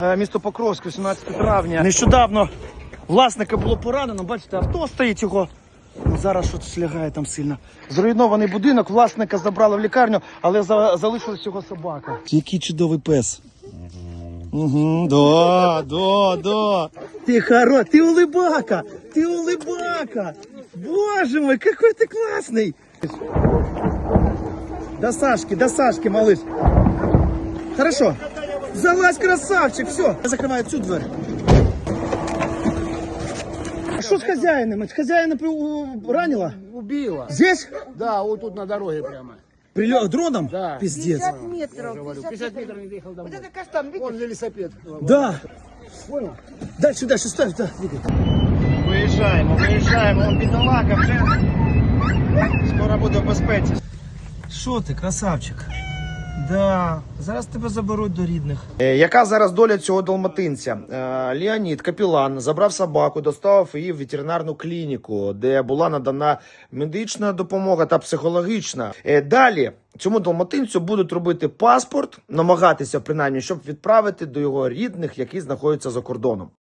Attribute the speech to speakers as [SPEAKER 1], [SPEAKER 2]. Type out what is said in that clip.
[SPEAKER 1] Місто Покровськ, 18 травня. Нещодавно власника було поранено, бачите, авто стоїть його. Ну, зараз щось лягає там сильно. Зруйнований будинок, власника забрали в лікарню, але залишилась його собака. Який чудовий пес. Угу, да. Ты хорош, ты улыбака, ты улыбака. Боже мой, какой ты классный. До Сашки, малыш. Хорошо. Залазь, красавчик, все. Я закрываю всю дверь. А что с хозяином? Хозяина ранила?
[SPEAKER 2] Убила.
[SPEAKER 1] Здесь?
[SPEAKER 2] Да, вот тут на дороге прямо.
[SPEAKER 1] Прилет дроном?
[SPEAKER 2] Да.
[SPEAKER 1] Пиздец.
[SPEAKER 3] 50 метров.
[SPEAKER 2] 50 метров не доехал домой.
[SPEAKER 3] Вот это каштан, видишь?
[SPEAKER 2] Вон велосипед.
[SPEAKER 1] Да.
[SPEAKER 2] Понял?
[SPEAKER 1] Дальше, ставь, да. Виїжджаємо, он бідолага вже. Скоро буде в безпеці. Що ти, красавчик? Да, зараз тебе заберуть до рідних. Яка зараз доля цього далматинця? Леонід, капелан, забрав собаку, доставив її в ветеринарну клініку, де була надана медична допомога та психологічна. Далі цьому далматинцю будуть робити паспорт, намагатися принаймні, щоб відправити до його рідних, які знаходяться за кордоном.